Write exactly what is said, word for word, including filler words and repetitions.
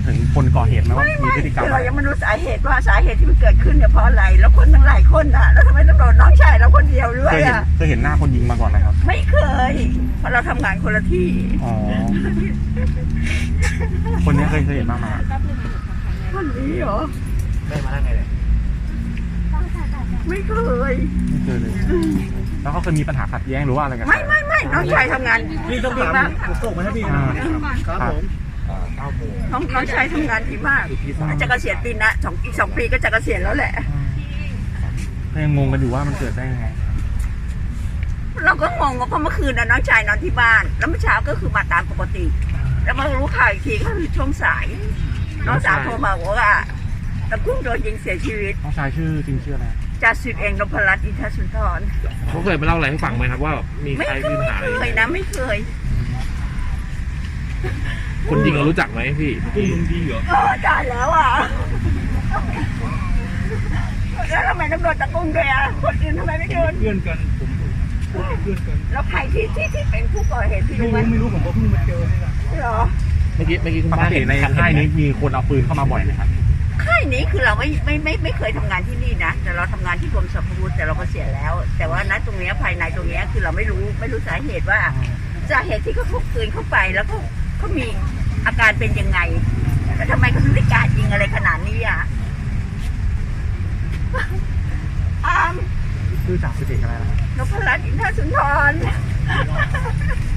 ถึงคนก่อเหตุไหมว่ามีพฤติกรรมเรายังไม่รู้สาเหตุว่าสาเหตุที่มันเกิดขึ้นเนี่ยเพราะอะไรแล้วคนทั้งหลายคนอ่ะแล้วทำไมต้องโดนน้องชายเราคนเดียวด้วเคยยเห็นอ่ะเคยเห็นหน้าคนยิงมาก่อนไหมครับไม่เคยเพราะเราทำงานคนละที่อ๋อคนนี้เคยเคยเห็นบ้างไหมคนนี้เหรอได้มาได้ไงเนี่ยไม่เคยไม่เคยเลยแล้วเขาเคยมีปัญหาขัดแย้งหรือว่าอะไรกันไม่ไม่ไม่น้องชายทำงานพี่ต้องดีถามมากผมส่งมาให้พี่อ่าครับผมเก้าโมงน้องน้องชายทำงานดีมากจะเกษียณปีนะสองอีกสองปีก็จะเกษียณแล้วแหละก็ยังงงกันอยู่ว่ามันเกิดได้ยังไงเราก็งงว่าเพราะเมื่อคืนน่ะน้องชายนอนที่บ้าน แล้วเมื่อเช้าก็คือมาตามปกติ แล้วมารู้ข่าวอีกทีก็คือช่วงสาย น้องสาวโทรมาบอกว่าตะกุ้งโดนยิงเสียชีวิตน้องชายชื่อจริงชื่ออะไรจ่าสิบเอกนพรัตน์อินทสุนทรเขาเคยมาเล่าอะไรให้ฟังไหมครับว่ามีไม่ใครเคมีปัญหาอะไรยนะไม่เคยคนยิงเรารู้จักไหมพี่กุ้งลุงดีเหรอเออจ่ายแล้วอ่ะแล้วทำไมต้องโดนตะกุ้งด้วยอ่ะคนอื่นทำไมไม่โดนเพื่อนกันผมเพื่อนกันแล้วใครที่ที่ที่เป็นผู้ก่อเหตุพี่ไม่รู้ไหมรู้ไม่รู้ผมก็เพิ่งมาเจอนี่แหละเหรอเมื่อกี้เมื่อกี้คุณปกป้าติเห็นในค่ายนี้มีคนเอาปืนเข้ามาบ่อยไหมครับค่ายนี้คือเราไม่ไม่ไม่ไม่เคยทำงานที่นี่นะแต่เราทำงานที่กรมสรรพาวุธแต่เราก็เสียแล้ว แต่ว่าณตรงเนี้ยภายในตรงเนี้ยคือเราไม่รู้ไม่รู้สาเหตุว่าสาเหตุที่เขาพกปืนเข้าไปแล้วเขาเขามีอาการเป็นยังไงแล้วทำไมเขาถึงได้กล้ายิงอะไรขนาดนี้อ่ะอามชื่อจ่าสิบเอกอะไรนะครับนพรัตน์อินทสุนทร